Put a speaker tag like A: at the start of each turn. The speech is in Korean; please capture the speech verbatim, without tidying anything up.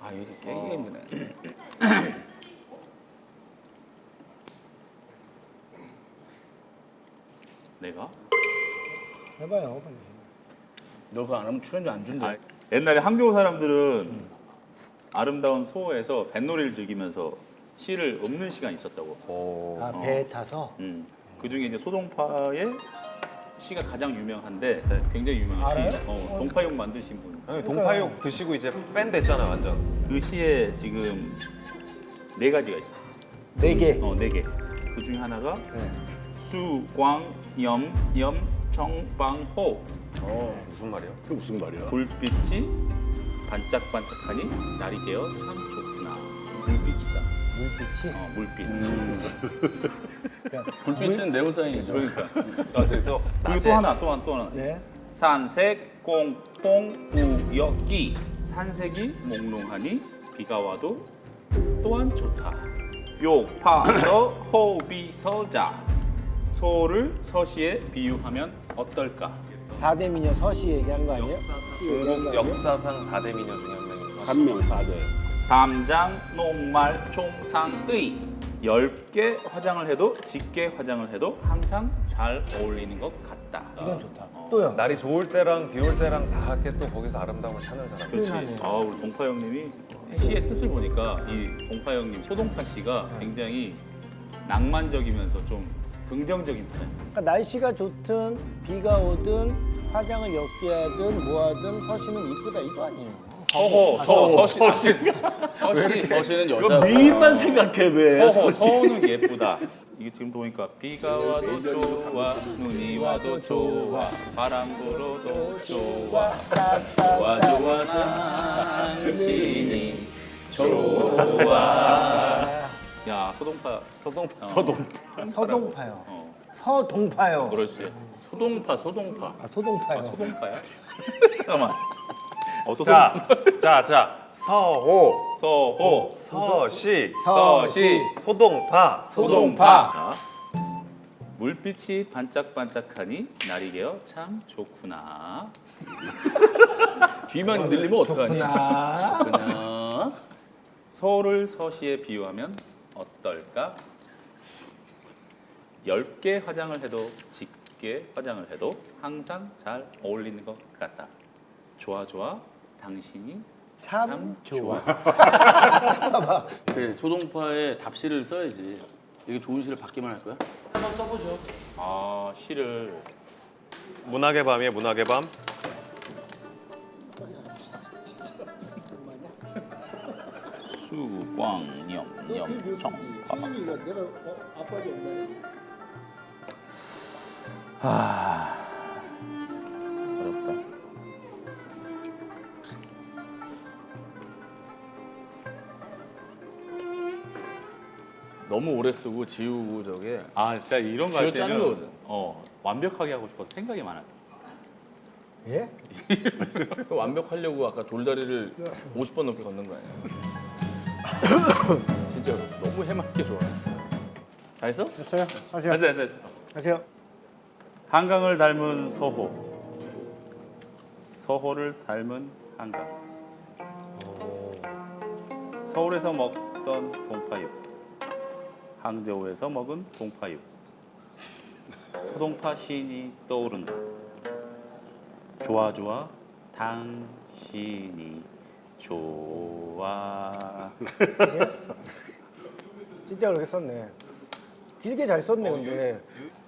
A: 아 이거 진짜 깨기가 힘드네.
B: 내가?
C: 해봐요 빨리.
A: 너 그거 안 하면 출연료 안 준대.
B: 아, 옛날에 항저우 사람들은 아름다운 소호에서 뱃놀이를 즐기면서 시를 읊는 시간이 있었다고.
D: 오.
C: 아 배에 타서.
B: 음. 그 중에 이제 소동파의 시가 가장 유명한데 굉장히 유명한 시.
C: 알아요?
B: 어, 동파육 만드신 분.
D: 형님 동파육 드시고 이제 밴 됐잖아요 완전.
B: 그 시에 지금 네 가지가 있어.
C: 네 개.
B: 어, 네 개. 그 중에 하나가
C: 네.
B: 수광염염청방호.
D: 어 무슨 말이야?
A: 그 무슨 말이야?
B: 불빛이 반짝반짝하니 날이 개어 참 좋구나. 불빛이다.
C: 물빛이.
B: 어, 물빛.
C: 그러니까
A: 불빛은 네온사인이죠.
B: 그러니까.
D: 아 그래서
B: 그리고 또 하나, 또 하나, 또 하나.
C: 네.
B: 산색 꽁꽁 우역기. 산색이 몽롱하니 비가 와도 또한 좋다. 욕파서 호비서자. 소를 서시에 비유하면 어떨까?
C: 사대 미녀 서시 얘기하는 거 아니에요? 시 얘기하는 거 아니에요?
D: 역사상 사 대 미녀 중에 한 명이
A: 한 명 맞아요.
B: 담장 녹말 총상의. 얇게 화장을 해도 짙게 화장을 해도 항상 잘 어울리는 것 같다.
C: 이건 좋다.
B: 어.
C: 또요.
D: 날이 좋을 때랑 비 올 때랑 다 이렇게 또 거기서 아름다움을 찾는 사람.
B: 그렇지.
C: 표현하네.
B: 아, 우리 동파 형님이 시의 뜻을 보니까 이 동파 형님 소동파 씨가 굉장히 낭만적이면서 좀 긍정적인 사람.
C: 그러니까 날씨가 좋든 비가 오든 화장을 옅게 하든 뭐 하든 서시는 이쁘다 이거 아니에요.
B: 서호, 서, 서, 서시.
A: 서시 서시는
B: 그
A: 여자.
B: 미인만
A: 생각해 왜?
B: 서호, 서호는 예쁘다. 이게 지금 보니까 비가 와도 좋아, 눈이 와도 좋아, 바람 불어도 좋아, 좋아 좋아 당신이 좋아. 야, 소동파, 소동파, 소동파.
C: 서동파요.
B: 어,
C: 서동파요.
B: 그렇지. 소동파, 소동파.
C: 아 소동파요.
B: 소동파야? 잠깐만. 어, 소동.
D: 자, 자, 자. 서호,
B: 서호,
D: 서시,
C: 서시,
D: 소동파,
C: 소동파.
B: 자, 물빛이 반짝반짝하니 날이 개어 참 좋구나.
A: 뒤만 들리면 어떡하니?
C: 그나
A: 그냥
B: 서울을 서시에 비유하면 어떨까? 얇게 화장을 해도 짙게 화장을 해도 항상 잘 어울리는 것 같다. 좋아 좋아 당신이
C: 참,
B: 참
C: 좋아.
B: 좋아.
A: 그 소동파에 답시를 써야지. 이게 좋은 시를 받기만 할 거야? 한번 써보죠.
B: 아, 시를
D: 문학의 밤이에요, 문학의 밤.
B: 수광염염청파.
C: 내가 아빠지 엄마야.
B: 어렵다.
A: 너무 오래 쓰고 지우고 저게
B: 아, 진짜 이런 거 할
A: 쥐어 짜는
B: 때는
A: 거거든.
B: 어, 완벽하게 하고 싶어서 생각이 많아.
C: 예?
A: 완벽하려고 아까 돌다리를 오십 번 넘게 걷는 거 아니야? 진짜 너무 해맑게 좋아해. 다 했어?
C: 됐어요? 하세요.
B: 됐어, 됐어, 됐어.
C: 하세요.
B: 한강을 닮은 서호, 서호를 닮은 한강. 서울에서 먹던 동파육, 항저우에서 먹은 동파육. 소동파 시인이 떠오른다. 좋아 좋아 당신이 좋아.
C: 진짜 그렇게 썼네. 길게 잘 썼네 근데.